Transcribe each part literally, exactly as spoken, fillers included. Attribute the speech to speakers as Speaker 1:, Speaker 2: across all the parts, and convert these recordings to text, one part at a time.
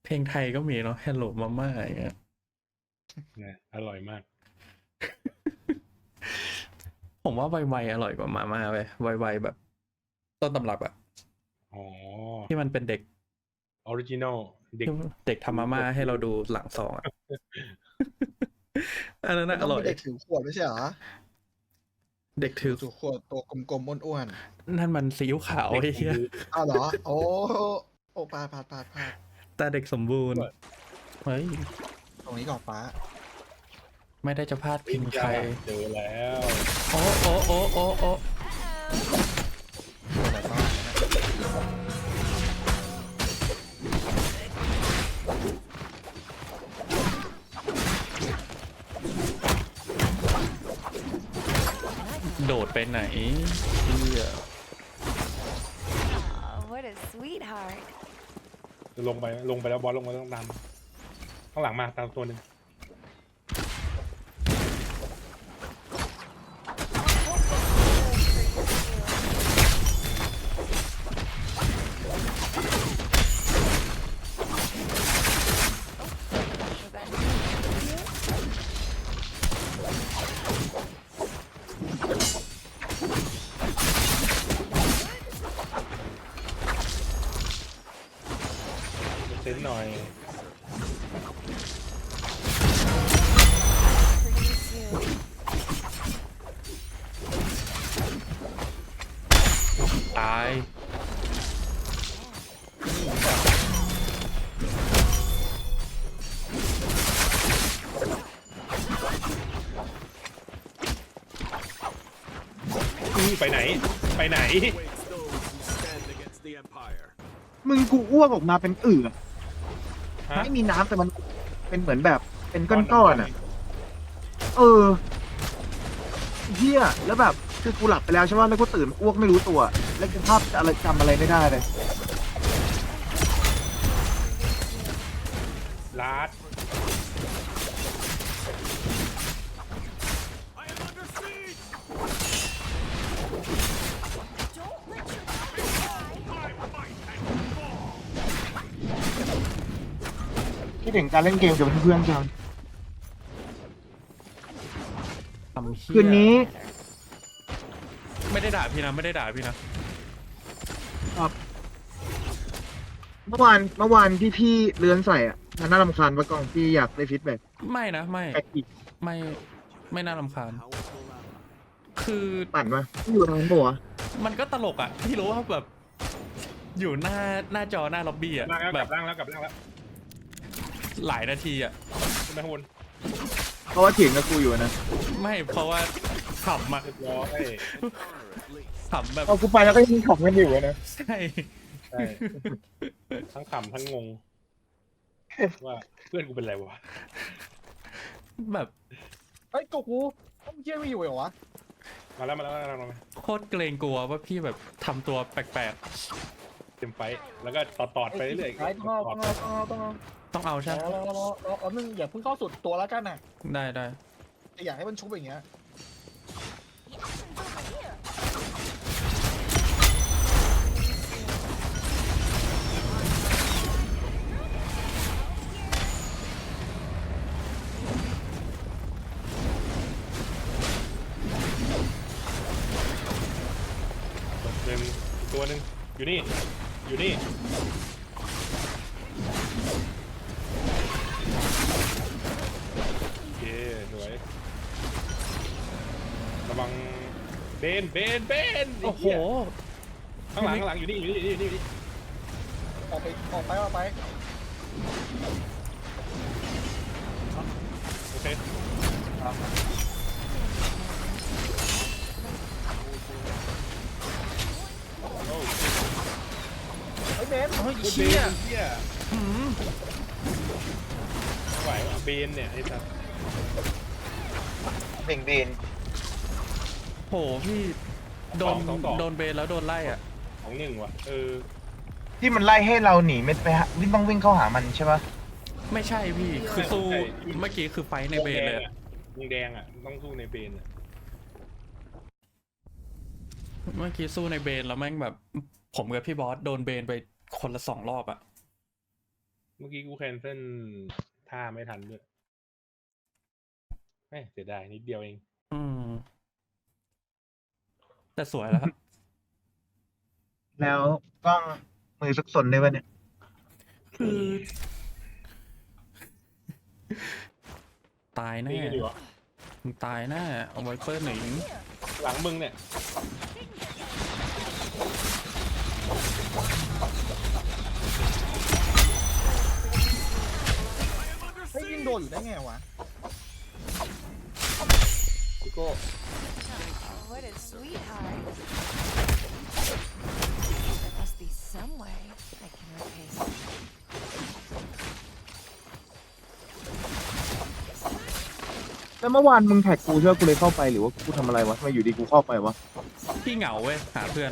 Speaker 1: เพลงไทยก็มีเนาะ Hello Mama อย่างเงี้ย
Speaker 2: นะอร่อยมาก
Speaker 1: ผมว่าไวๆอร่อยกว่ามาม่าไปไวๆแบบต้นตำรับอะ
Speaker 2: อ๋อ
Speaker 1: ที่มันเป็นเด็ก
Speaker 2: ออริจินอลเด็ก
Speaker 1: ที่เด็กทำมาม่าให้เราดูหลังซองอะ อันนั้น
Speaker 3: มั
Speaker 1: น่ะ
Speaker 3: น
Speaker 1: อ
Speaker 3: ต้อง
Speaker 1: ร่อ
Speaker 3: มี
Speaker 1: ย
Speaker 3: เด็กถือขวดไม่ใช่เหรอ
Speaker 1: เด็กถือ
Speaker 3: ถือขวดตัวกลมๆอ้วน
Speaker 1: นั่นมันซีอิ๊วขาว
Speaker 2: เด็ก
Speaker 1: ไอ้
Speaker 2: ผม
Speaker 1: เหี้ย
Speaker 2: ดู
Speaker 3: ๆ อ้าวเหรอ โอ้ โอ้พลาดพลาดพลาดพลาด
Speaker 1: แต่เด็กสมบูรณ์
Speaker 2: ด้วย
Speaker 1: เฮ้ย
Speaker 3: ตรงนี้ก่อนฟ้า
Speaker 1: ไม่ได้จะพลาดพิงใคร
Speaker 2: เจอแล้ว
Speaker 1: โอ้โอ้โอ้โอ้โอ้
Speaker 3: อะไรบ้าง
Speaker 1: โดดไปไหนเหี้ย
Speaker 4: Oh, what a sweetheart.
Speaker 2: จะลงไปลงไปแล้วบอสลงมาต้องตามข้างหลังมาตามตัวหนึ่ง
Speaker 4: Was that you?
Speaker 2: เซ็นหน่อย
Speaker 4: For you too.
Speaker 1: ตาย
Speaker 2: อื้อไปไหน ไปไหน
Speaker 5: Waits those who stand against the Empire.
Speaker 6: มึงกูอ้วกออกมาเป็นอืด
Speaker 2: ฮะ
Speaker 6: ไม่มีน้ำแต่มันเป็นเหมือนแบบเป็นก้อนๆอ่ะ เออเฮียแล้วแบบคือกูหลับไปแล้วใช่ไหมแล้วกูตื่นอ้วกไม่รู้ตัว แล้วกูภาพอะไรจำอะไรไม่ได้เลย
Speaker 2: ลาด
Speaker 5: I am under siege.
Speaker 4: Don't let your daughter die.
Speaker 6: คิดถึงการเล่นเกมกับเพื่อนๆจัง
Speaker 1: ทำเหี้ย
Speaker 6: คืนนี้
Speaker 1: ไม่ได้ด่าพี่นะ ไม่ได้ด่าพี่นะ
Speaker 6: เมื่อวานเมื่อวานที่พี่เลื้อนใส่อ่ะมันน่ารำคาญปะกองพี่อยากได้ฟีดแบ็ก
Speaker 1: ไม่นะ ไม่
Speaker 6: แปลกอีก
Speaker 1: ไม่ ไม่น่ารำคาญ
Speaker 5: Powerful ally.
Speaker 1: คือ
Speaker 6: ปั่นมาอยู่ร้านบัว
Speaker 1: มันก็ตลกอ่ะ พี่รู้ว่าแบบ อยู่หน้าหน้าจอหน้าล็อบบี้อ่ะ
Speaker 2: ล่างแล้ว
Speaker 1: แบ
Speaker 2: กลั
Speaker 1: บ
Speaker 2: บล่างแล้วกลับล่างแล้ว
Speaker 1: หลายนาทีอ่ะ
Speaker 2: ขึ้นไปข้างบน
Speaker 6: เพราะว่าเถียงกับกูอยู่นะ
Speaker 1: ไม่เพราะว่าขำอ่ะ
Speaker 2: เรียบร้อย
Speaker 5: Honor at least.
Speaker 1: ขำแบบ
Speaker 6: เอากูไปแล้วก็ยังขำกันอยู่นะ
Speaker 1: ใช่
Speaker 2: ใช่ทั้งขำทั้งงง ว่าเพื่อนกูเป็นไรวะ
Speaker 1: แบบ
Speaker 3: เฮ้ยกูกูต้องเยี่ยไม่อยู่เหรอวะ
Speaker 2: มาแล้วมาแล้วมาแล้วมาแล้ว
Speaker 1: โคตรเกรงกลัวว่าพี่แบบทำตัวแปลก
Speaker 2: เต็มไฟท์แล้วก็ต่อตอดไปเรื่อย
Speaker 3: ไอ้ต้องเอาต้องเอาต้องเอาต้องเอา
Speaker 1: ๆ ต้องเอาใช่ไหม
Speaker 3: รอรอรอรอรอนึงอย่าเพิ่งเข้าสุดตัวแล้วกันน่ะ
Speaker 1: ได้ได้
Speaker 3: แต่อยากให้มันชุบอย่างเงี้ย
Speaker 2: ตัวหนึ่งอีกตัวหนึ่งอยู่นี่ อยู่นี่ โอเคสวย ระวังเบนเบนเบน
Speaker 1: โอ้โห
Speaker 2: ข้างหลังข้างหลังอยู่นี่อยู่นี่อยู่นี่อยู่นี่
Speaker 3: ออกไปออกไปออกไป
Speaker 2: โอเคโอ้
Speaker 3: เฮ้ยเบน
Speaker 1: เฮ้ย
Speaker 2: เบ
Speaker 1: เชี่ย
Speaker 2: นเชี่ย
Speaker 1: หืม
Speaker 2: ไม่ไหวว่ะเบนเนี่ยไอ้สัส
Speaker 6: เบ่งเบน
Speaker 1: โหพี่โดนโดนเบนแล้วโดนไล่อ่ะ
Speaker 2: ของหนึ่งว่ะเออ
Speaker 6: ที่มันไล่ให้เราหนีไม่ไปหาวิ่งต้องวิ่งเข้าหามันใช่ปะ
Speaker 1: ไม่ใช่พี่คือสู้เมื่อกี้คือไฟท์ในเบนเลยอะ
Speaker 2: วงแดงอ่ะต้องสู้ในเบนอ่ะ
Speaker 1: เมื่อกี้สู้ในเบนแล้วแม่งแบบ ผมกับพี่บอสโดนเบนไปคนละสองรอบอ่ะ
Speaker 2: เมื่อกี้กูแคนเซิลท่าไม่ทันด้วยแหมเสียดายนิดเดียวเอง
Speaker 1: อืม แต่สวยแล้วครับ
Speaker 6: แล้วกล้องมือสักสนได้ปะเนี่ย
Speaker 1: คือ ตาย
Speaker 2: ตี
Speaker 1: แน่
Speaker 2: กันอยู่อ่ะ
Speaker 1: มึงตายแน่เอาไวเปอร์หนิง
Speaker 2: หลังมึงเนี่ย
Speaker 3: เฮ้ยยิงโดนอยู่ได้ไงวะ
Speaker 2: พี่โก้
Speaker 4: Oh, what a sweetheart. There must be some way I can repay him.
Speaker 6: แล้วเมื่อวานมึงแท็กกูใช่ไหมกูเลยเข้าไปหรือว่ากูทำอะไรวะทำไมอยู่ดีกูเข้าไปวะ
Speaker 1: พี่เหงาเว้ย หาเพื่อน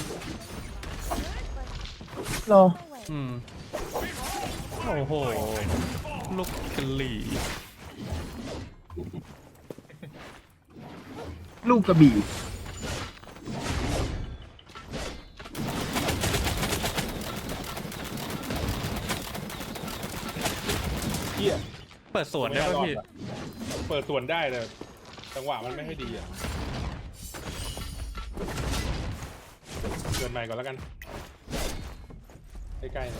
Speaker 6: รอ
Speaker 1: อืม โอ้โห ลูกกะหลี่
Speaker 6: ลูกกระบี่
Speaker 2: เหี้ย
Speaker 1: เปิดสวนได้ป่ะพี่
Speaker 2: เปิดส่วนได้แต่จังหวะมันไม่ค่อยดีอ่ะเกินใหม่ก่อนแล้วกันใกล้ๆหน่อย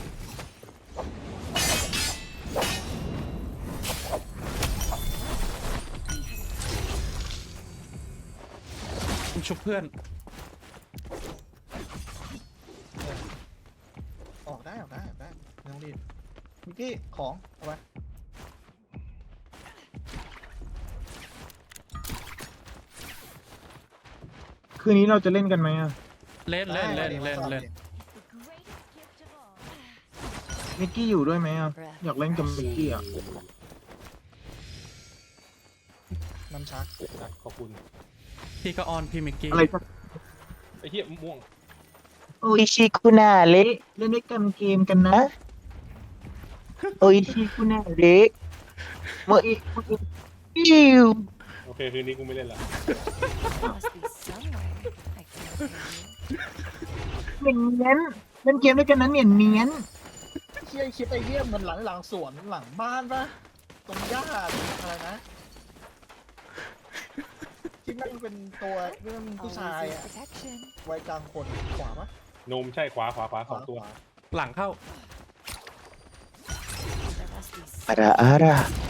Speaker 1: ชุบเพื่อน
Speaker 3: ออกได้ออกได้ออกได้ไม่ต้องรีบมิกกี้ของเอาไป
Speaker 6: คืนนี้เราจะเล่นกันไหมอ่ะ
Speaker 1: เล่นเล่นเล่นเล่นเล่น
Speaker 6: มิกกี้อยู่ด้วยไหมอ่ะอยากเล่นกับมิกกี้อ่ะ
Speaker 3: น้ำชัก
Speaker 2: อ่ะขอบคุณ
Speaker 1: พี่ก็ออนพี่มิกกี้
Speaker 6: อะไรสัก
Speaker 2: ไอ้เหี้ยม่วง
Speaker 6: โออิชิคุนาเละเล่นด้วยกันเกมกันนะโออิชิคุนาเละโมอิโมอิอิว
Speaker 2: โอเคคืนนี้กูไม่เล่นละ
Speaker 4: There must be some way I can repay you.
Speaker 6: เนียนเนียนเล่นเกมด้วยกันนะเนียนเนียน
Speaker 3: เฮียคิดไอ้เหี้ยมันหลังหลังสวนหลังบ้านปะตรงหญ้าอะไรนะที่มันเป็นตัวเรื่องผู้
Speaker 4: Always
Speaker 3: ชาย
Speaker 4: with
Speaker 3: อะ
Speaker 4: protection.
Speaker 3: วัยกลางคนขวาปะ
Speaker 2: นมใช่ขวาขวาขวาสองตัว
Speaker 3: ขวา
Speaker 1: หลังเข้า
Speaker 4: There must be
Speaker 6: อา
Speaker 4: some
Speaker 6: ราอารา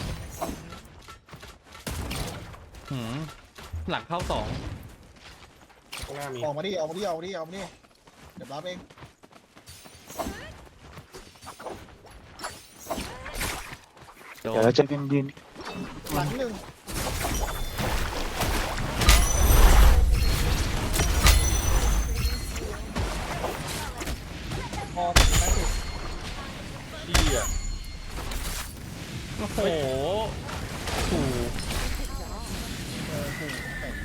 Speaker 1: หืม หลังเข้าสอง
Speaker 2: ข้างหน้ามี
Speaker 3: ออกมาดิออกมาดิออกมาดิออกมาดิเดี๋ยวรับเอง
Speaker 1: โด
Speaker 6: เดี๋ยวน เราจะกันยืน
Speaker 3: หลังหนึ่งพอถึงไหมสิ
Speaker 2: เหี้ย
Speaker 1: โอ้โหถู
Speaker 3: เออถูกแต่ง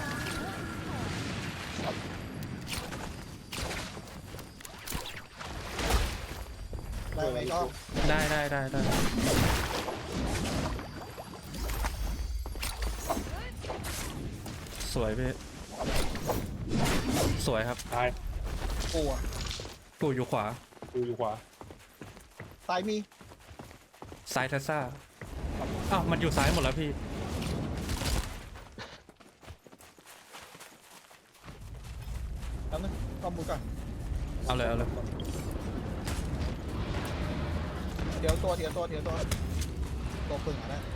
Speaker 3: ได้ไหมก็
Speaker 1: ได้ได้ได้ได้สวยพี่สวยครับ
Speaker 2: ตาย
Speaker 3: กลัว
Speaker 1: กูอยู่ขวา
Speaker 2: กูอยู่ขวา
Speaker 3: ตายมี
Speaker 1: ซ้ายเทสซ่าอ้าว มันอยู่ซ้ายหมดแล้วพี่
Speaker 3: แล้วนึงกอมมือก่อน
Speaker 1: เอาเลย เอาเลย
Speaker 3: เดี๋ยวตัวเดี๋ยวตัวเดี๋ยวตัวตัวปึ่งอ่ะนะ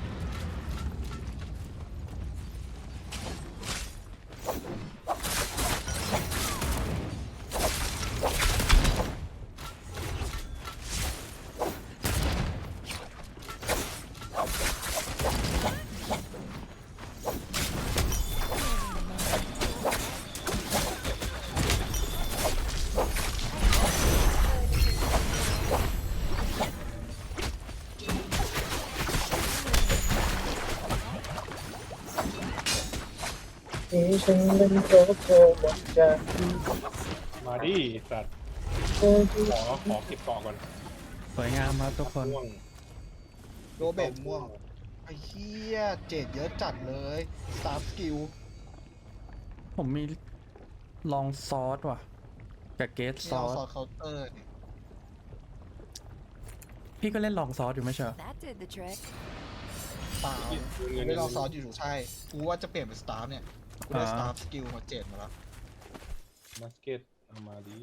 Speaker 6: ฉันเป็นโคโคหมดใจ
Speaker 2: มาดิสัตว์ขอขอเก็บเกาะก่อน
Speaker 1: สวยงามครับทุกคน
Speaker 2: ม่วง
Speaker 3: โรเบตม่วงไอ้เหี้ยเจ็ดเยอะจัดเลยสามสกิล
Speaker 1: ผมมีลองซอสว่ะ กับเกส
Speaker 3: นี่
Speaker 1: ซอ
Speaker 3: เอา
Speaker 1: ส
Speaker 3: ซอสเคาน์เตอร์นี่
Speaker 1: พี่ก็เล่นลองซอสอยู่ไม่ใช่เหรอ
Speaker 4: That did the trick.
Speaker 3: เปล่าไม่ลองซอสอยู่ใช่กูว่าจะเปลี่ยนเป็นสตาร์เนี่ยกูได้สตาร์สกิลมาเจ็ดมาแล้ว
Speaker 2: บาสเก็ตเอามาดี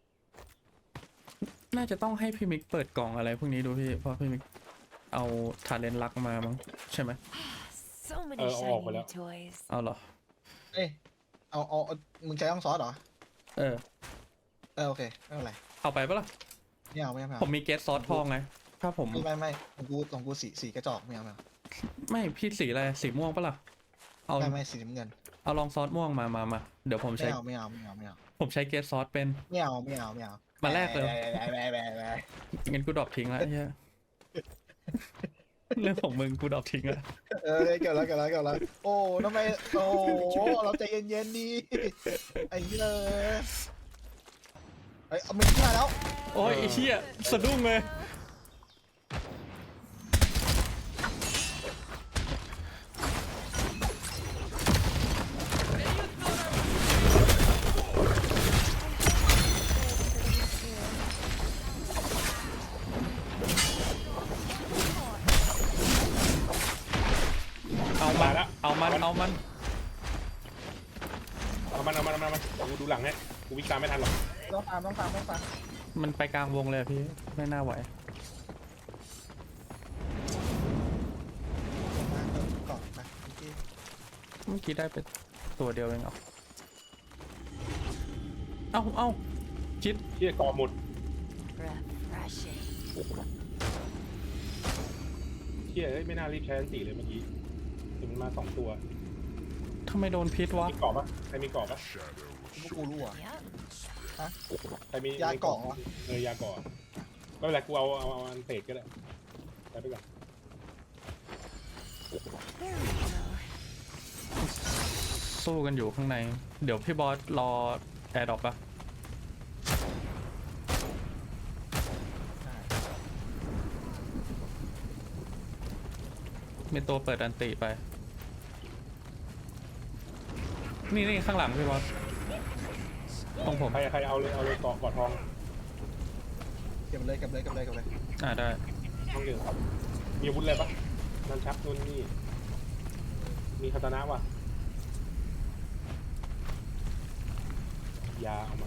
Speaker 1: น่าจะต้องให้พี่มิกเปิดกล่องอะไรพวกนี้ดูพี่เพราะพี่มิกเอาทาเลนลักมามั้งใช่ไหม
Speaker 4: So many
Speaker 2: Uh,
Speaker 4: shiny
Speaker 2: oh,
Speaker 4: new
Speaker 2: well,
Speaker 4: toys.
Speaker 1: เอาเหรอ
Speaker 3: เอ้ยเอาเอาเอามึงใช้ต้องซอสเหรอ
Speaker 1: เออ
Speaker 3: เออโอเคไม่เป็นไร
Speaker 1: เอาไปปะล่ะ
Speaker 3: ไม่เอาไม่เอาไม่
Speaker 1: ผม
Speaker 3: เอา
Speaker 1: มีเกสซอสทองไงถ้าผม
Speaker 3: ไม่ไม่ไม่ของกูของกูสีสีกระจอกไม่เอาไม่เอา
Speaker 1: ไม่พี่สีอะไรสีม่วงปะล่ะเอา
Speaker 3: ไม่ไม่สีน้ำเงิน
Speaker 1: เอาลองซอสม่วงมามามาเดี๋ยวผม
Speaker 3: ไม่
Speaker 1: ใช้
Speaker 3: เอาไม่เอาไม่เอาไม่เอา
Speaker 1: ผมใช้เกสซอสเป็น
Speaker 3: ไม่เอาไม่เอาไม่เอา
Speaker 1: มาแลกเลย
Speaker 3: แบะแบะแบะแบะ
Speaker 1: งั้นกูดรอปทิ้งละไอ้เหี้ย เรื่องของมึงกูดรอปทิ้งละ
Speaker 3: เออเกี่ยวแล้วเกี่ยวแล้วเกี่ยวแล้วโอ้ทำไมโอ้เราใจเย็นๆดีไอ้เหี้ยเฮ้ยเอามันขึ้นมาแล้ว
Speaker 1: โอ้ยไอ้เหี้ยสะดุ้งเลย เอามัน เอามัน เอามัน
Speaker 2: เอามันเอามันเอามันเอามันกูดูหลังให้กูวิ่งตามไม่ทันหรอก
Speaker 3: ต้องตามต้องตามต้องตาม
Speaker 1: มันไปกลางวงเลยอะพี่ ไม่น่าไหว
Speaker 3: มาเติมก่อนไปโอเค
Speaker 1: เมื่อกี้ได้ไปตัวเดียวเองเหรอ เอ้าเอ้าคิด
Speaker 2: เที่ยกอหมด
Speaker 4: Refreshing.
Speaker 2: เที่ยเอ้ยไม่น่ารีบใช้อันตีเลยเมื่อกี้ถึงมันมาสองตัว
Speaker 1: ทำไมโดนพิษวะ
Speaker 2: มีเกาะปะใครมีเกาะปะ
Speaker 3: พวกกูรู้อ่ะ
Speaker 4: Yep.
Speaker 2: ใครมี
Speaker 3: ยาเกาะเหรอ
Speaker 2: เออยาเกาะไม่เป็นไรกูเอาเอาเอาอันเศษก็ได้ไปไปก่อน
Speaker 4: There we go.
Speaker 1: สู้กันอยู่ข้างใน เดี๋ยวพี่บอสรอแอร์ดรอปปะมีตัวเปิดอันติไป นี่นี่ข้างหลังพี่บอสตรงผม
Speaker 2: ใครใครเอาเลยเอาเลยเกาะเกาะทอง
Speaker 3: เก็บเลยเก็บเลยเก็บเลยเก็บเลย
Speaker 1: อ่าได้
Speaker 2: ต้องเก็บมีอาวุธอะไรปะนันชักนู่นนี่มีคาตานะวะยาเอามา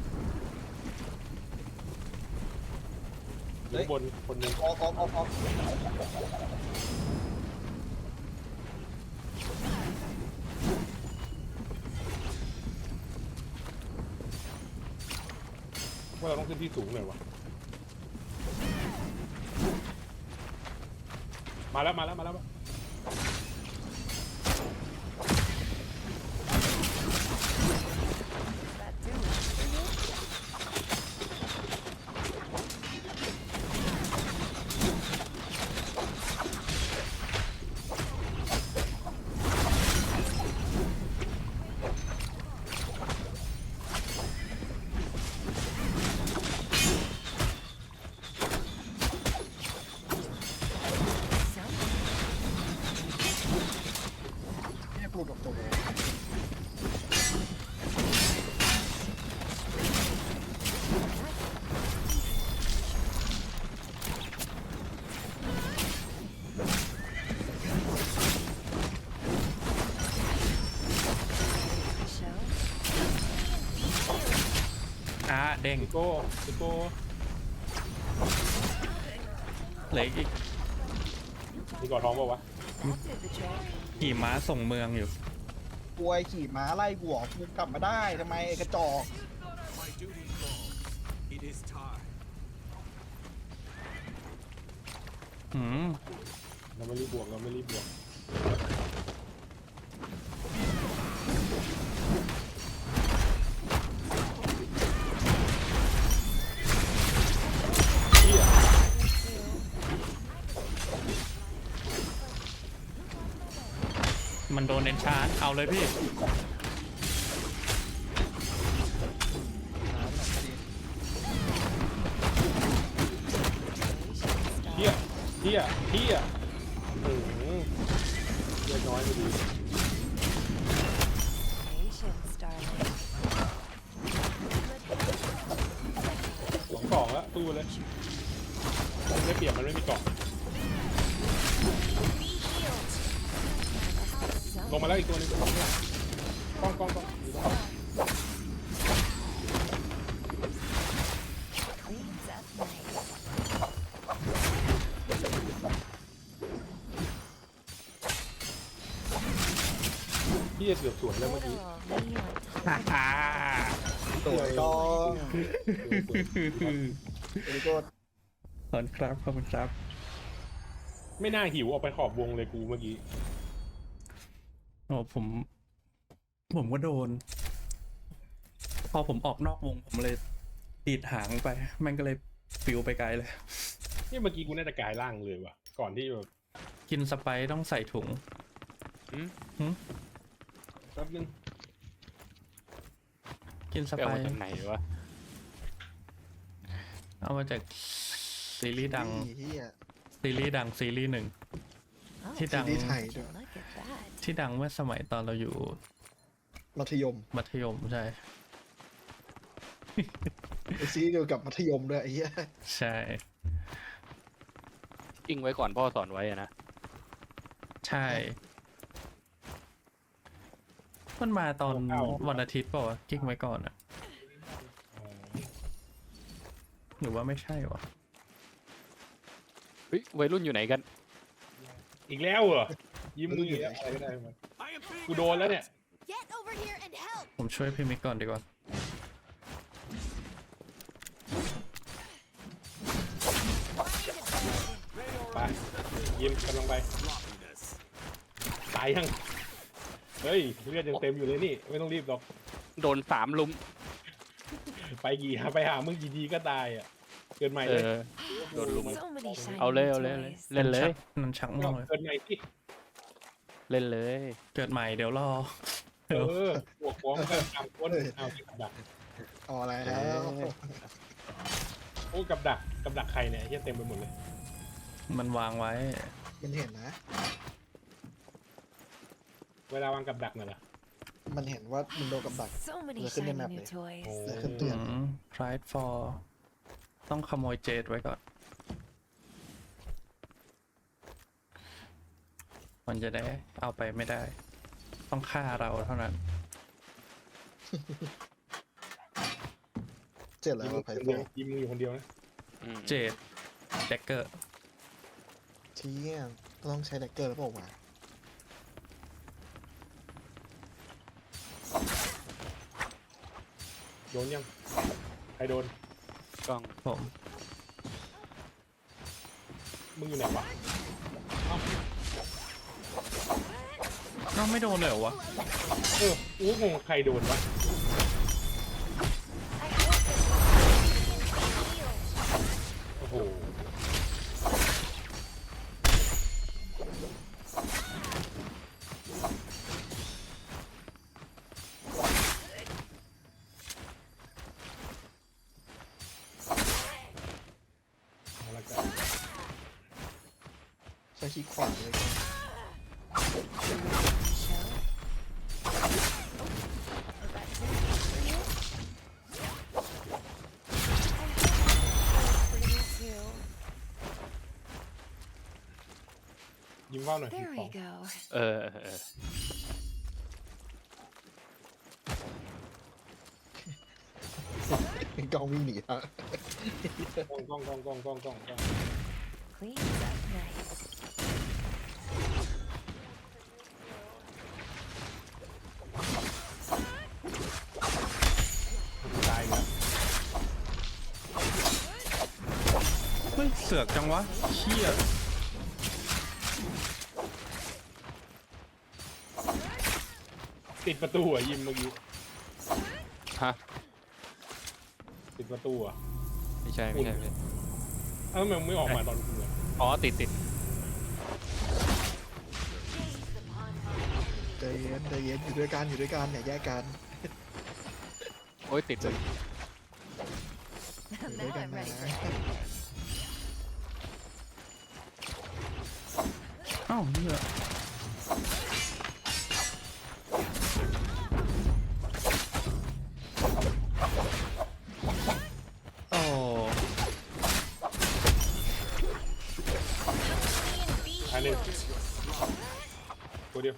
Speaker 2: อยู่ข้างบนคนหนึง
Speaker 3: ออกออกออกออก
Speaker 2: ว่าเราต้องขึ้นที่สูงหน่อยวะมาแล้วมาแล้วมาแล้ว
Speaker 4: That do it for you?
Speaker 3: เนี่ยปลุกกับตัว
Speaker 4: Show.
Speaker 1: อ่าเด้ง
Speaker 2: ซิโก้ซิโก้
Speaker 1: เหลืออีก
Speaker 2: มีเกาะทองเปล่าวะ
Speaker 4: That did the trick.
Speaker 1: ขี่ม้าส่งเมืองอยู่
Speaker 3: กวยขี่ม้าไล่กูออกกูกลับมาได้ทำไมไอ้กระจอก
Speaker 5: My duty calls. It is time.
Speaker 1: หืม
Speaker 2: เราไม่รีบบวกเราไม่รีบบวกเหี้ย
Speaker 1: มันโดนเอนชาร์เอาเลยพี่
Speaker 2: เฮียเฮียเฮียโอ้โหเลือดน้อยไม่ดี
Speaker 4: Patience, darling.
Speaker 2: สองสองแล้วตู้เลยได้เปรียบมันไม่มีเกาะ ลงมาแล้วอีกตัวหนึงกล้องกล้องกล้องกล้องอยู่ตรง
Speaker 4: Cleans up nice.
Speaker 2: พี่จะเสือกสวนแล้วเมื่อกี้
Speaker 4: Little me on top.
Speaker 1: ฮ่า
Speaker 3: สวยต้อง
Speaker 2: เสือกสวน
Speaker 3: เอลิโก้
Speaker 1: ขอบคุณครับขอบคุณครับ
Speaker 2: ไม่น่าหิวออกไปขอบวงเลยกูเมื่อกี้
Speaker 1: โอ้ผม ผมก็โดน พอผมออกนอกวงผมเลยดีดหางไปแม่งก็เลยฟิวไปไกลเลย
Speaker 2: นี่เมื่อกี้กูน่าจะกลายร่างเลยว่ะก่อนที่แบบ
Speaker 1: กินสไปซ์ต้องใส่ถุง
Speaker 2: แป๊บนึง
Speaker 1: กินส
Speaker 7: ไป
Speaker 1: ไป
Speaker 7: เอามา
Speaker 1: ซ์
Speaker 7: จากไหนวะ
Speaker 1: เอามาจากซีรีส์ดัง
Speaker 3: เฮีย
Speaker 1: ซีรีส์ดังซีรีส์หนึ่ง
Speaker 4: Oh,
Speaker 1: ที่ดัง
Speaker 3: ซีรีส์ไทยด้วย
Speaker 4: look at that.
Speaker 1: ที่ดังเมื่อสมัยตอนเราอยู่
Speaker 3: มัธยม
Speaker 1: มัธยมใช่
Speaker 3: ไอซีรีส์เกี่ยวกับมัธยมด้วยไอ้เหี้ย
Speaker 1: ใช่
Speaker 7: กิ้งไว้ก่อนพ่อสอนไว้อะนะ
Speaker 1: ใช่ มันมาตอนวันอาทิตย์เปล่าวะกิ๊กไว้ก่อนอะ
Speaker 2: เอ่อ
Speaker 1: หรือว่าไม่ใช่วะ
Speaker 7: เฮ้ยวัยรุ่นอยู่ไหนกัน
Speaker 2: อีกแล้วเหรอยิ้มมืออยู่แล้วอะไรก็ได้มัน
Speaker 5: I am being
Speaker 2: กูโดนแล้วเนี่ย
Speaker 4: Get over here and help.
Speaker 1: ผมช่วยพี่มิกก่อนดีกว่า
Speaker 2: ไปยิ้มกำลังไป
Speaker 5: sloppiness.
Speaker 2: ตายยังเฮ้ยเลือดยังเต็มอยู่เลยนี่ไม่ต้องรีบหรอก
Speaker 7: โดนสามลุม
Speaker 2: ไปกี่ไปหามึงกี่ทีก็ตายอ่ะเกินใหม่
Speaker 7: เอ
Speaker 2: เลย
Speaker 7: อ โดนลุม
Speaker 4: So many shiny
Speaker 7: เอาเลยเอาเลยเอาเลย
Speaker 4: toys.
Speaker 7: เล่นเลย
Speaker 1: มันชักม่วงเลย
Speaker 2: เกินใหม่ที่
Speaker 7: เล่นเลย
Speaker 1: เกิดใหม่เดี๋ยวรอ
Speaker 2: เออพวกฟ้องกันตามคนเอาที่กับดัก
Speaker 3: เอาอะไร
Speaker 7: เอ
Speaker 3: แล้ว
Speaker 7: อ
Speaker 2: โอ้กับดักกับดักใครเนี่ยเฮียเต็มไปหมดเลย
Speaker 1: มันวางไว้
Speaker 3: มันเห็นนะ
Speaker 2: เวลาวางกับดักน่ะเหรอ
Speaker 3: มันเห็นว่ามึงโดนกับดัก
Speaker 4: So many
Speaker 3: Look in the
Speaker 4: shiny
Speaker 3: map
Speaker 4: new
Speaker 3: there.
Speaker 4: toys.
Speaker 2: โอ้
Speaker 3: แล้วขึ้นเตือน
Speaker 1: อืม pride for ต้องขโมยเจดไว้ก่อน มันจะได้เอาไปไม่ได้ ต้องฆ่าเราเท่านั้น
Speaker 3: เจ็ดแล้วไพ่
Speaker 2: คน
Speaker 3: โฟ
Speaker 2: เดียวยิ้มมึงอยู่คนเดียวนะ
Speaker 7: อืม
Speaker 1: เจดแดกเกอร์
Speaker 3: เที่ยงก็ต้องใช้แดกเกอร์แล้วเปล่าวะ
Speaker 2: โดนยังใครโดน
Speaker 7: กล้อง
Speaker 1: ผม
Speaker 2: มึงอยู่ไหนวะ
Speaker 1: น้องไม่โดนเลยเหรอวะ
Speaker 2: เอออู้งงใครโดนวะ โอ้โห เอาละกัน
Speaker 3: ใช้ขี้ขวานเลย
Speaker 4: Pretty too.
Speaker 2: ยิ้มว่าวหน่อย
Speaker 4: There
Speaker 2: ข
Speaker 4: we
Speaker 2: อง
Speaker 4: go.
Speaker 7: เออเออเออ
Speaker 3: กล้องวิ่งหนีฮะ
Speaker 2: กล้องกล้องกล้องกล้องกล้องกล้องกล้อง
Speaker 4: Cleans up nice.
Speaker 2: ตายแล้ว
Speaker 1: เฮ้ย เสือกจังวะเชี่ย
Speaker 2: ติดประตูอ่ะยิ้มเมื่อกี้
Speaker 7: ฮะ
Speaker 2: ติดประตูอ่ะ
Speaker 7: ไม่ใช่ไม่ใช่ไม่ใช่
Speaker 2: เอ้าทำไมมึงไม่ออกมาตอนกูอ่ะ
Speaker 7: อ๋อติดติด
Speaker 3: ใจเย็นใจเย็นอยู่ด้วยกันอยู่ด้วยกันอย่าแยกกัน
Speaker 7: โอ้ยติดเลย
Speaker 3: อยู่ด้วย
Speaker 4: Now
Speaker 3: กัน
Speaker 4: I'm
Speaker 3: นะ
Speaker 4: ready for anything.
Speaker 1: เอ้าเหี้ยโอ้
Speaker 2: ตายหนึ่งตัวเดียว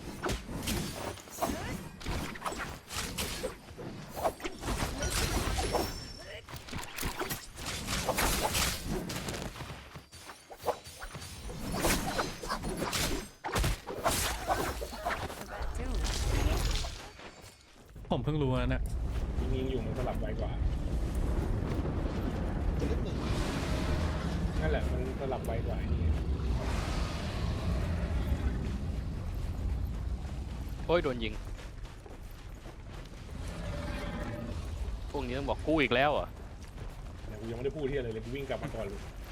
Speaker 1: ผมเพิ่งรู้นะเนี่ย
Speaker 2: ยิงๆอยู่มันสลับไวกว่า
Speaker 3: ตัวเล็กหนึ่ง
Speaker 2: นั่นแหละมันสลับไวกว่าไอ้นี่
Speaker 7: โอ้ยโดนยิงพวกนี้ต้องบอกกู้อีกแล้วเหรอ่ะ
Speaker 2: แต่กูยังไม่ได้พูดที่อะไรเลยกูวิ่งกลับมาก่อนเลย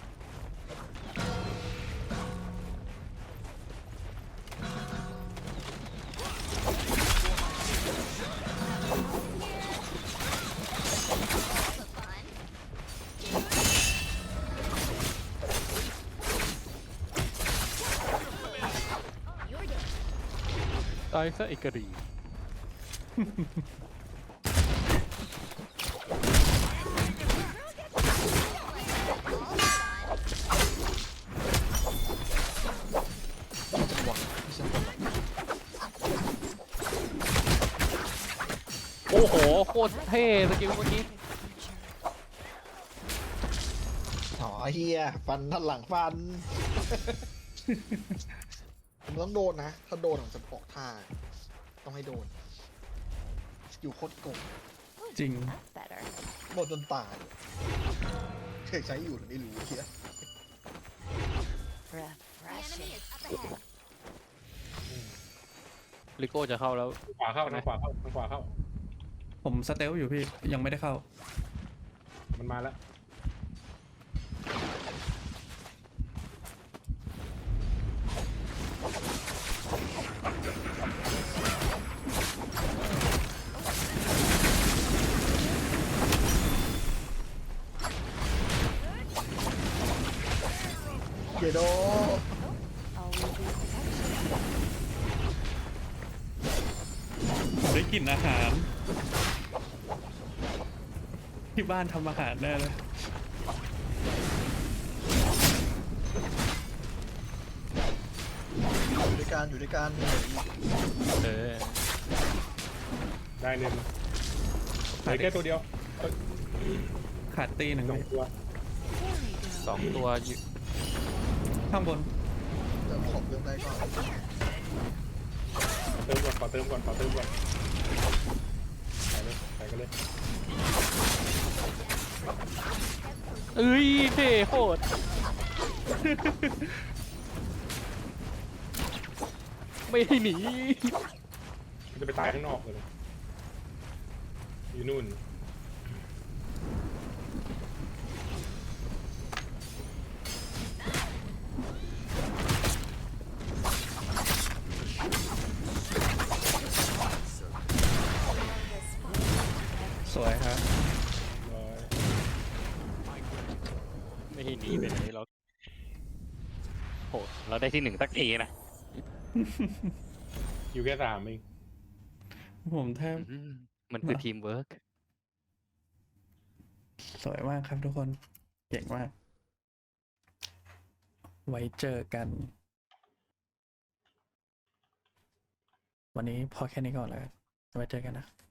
Speaker 7: ตายซะไอ้กระดี่
Speaker 3: จังหวะไม่ใช่คนหรอก
Speaker 7: โอ้โหโคตรเท่สกิลเมื่อกี้
Speaker 3: อ๋อเฮียฟันทันหลังฟัน ผมต้องโดนนะ ถ้าโดนผมจะออกท่า ต้องให้โดนสกิลโคตรโกง
Speaker 1: จริง
Speaker 4: That's better.
Speaker 3: โดนจนตายเคยใช้อยู่หรือไม่รู้เฮีย
Speaker 4: Refreshing.
Speaker 7: ลิโก้จะเข้าแล้ว
Speaker 2: ขวาเข้าทางขวาเข้าทางขวาเข้า
Speaker 1: ผมสเตลอยู่พี่ยังไม่ได้เข้า
Speaker 2: มันมาแล้ว
Speaker 3: เยโด
Speaker 4: Always be protection.
Speaker 1: ผมได้กลิ่นอาหาร ที่บ้านทำอาหารแน่เลย
Speaker 3: อยู่ด้วยกันอยู่ด้วยกัน
Speaker 7: เออ
Speaker 2: ได้เน้นเหลือแค่ตัวเดียวเอ้ย
Speaker 1: ขาดตีหนึ่ง
Speaker 2: สอง
Speaker 1: พี่
Speaker 2: ตัว
Speaker 7: สองตัวอยู่
Speaker 1: ข้างบน
Speaker 3: เติมของเติมได้ก่อน
Speaker 2: เติมก่อนขอเติมก่อนขอเติมก่อนใส่เลยใส่กันเลย
Speaker 7: เอ้ยเท่โคตร ไม่ให้หนี
Speaker 2: มันจะไปตายข้างนอกเลยอยู่นู่น
Speaker 1: สวยครับ
Speaker 2: ร้อย
Speaker 7: ไม่ให้หนีไปไหนเราโหเราได้ที่หนึ่งสักทีนะ
Speaker 2: อยู่แค่สามเอง
Speaker 1: ผมแทบ
Speaker 7: อืมมันคือทีมเวิร์ก
Speaker 1: สวยมากครับทุกคน เก่งมาก ไว้เจอกัน วันนี้พอแค่นี้ก่อนแล้วกันไว้เจอกันนะ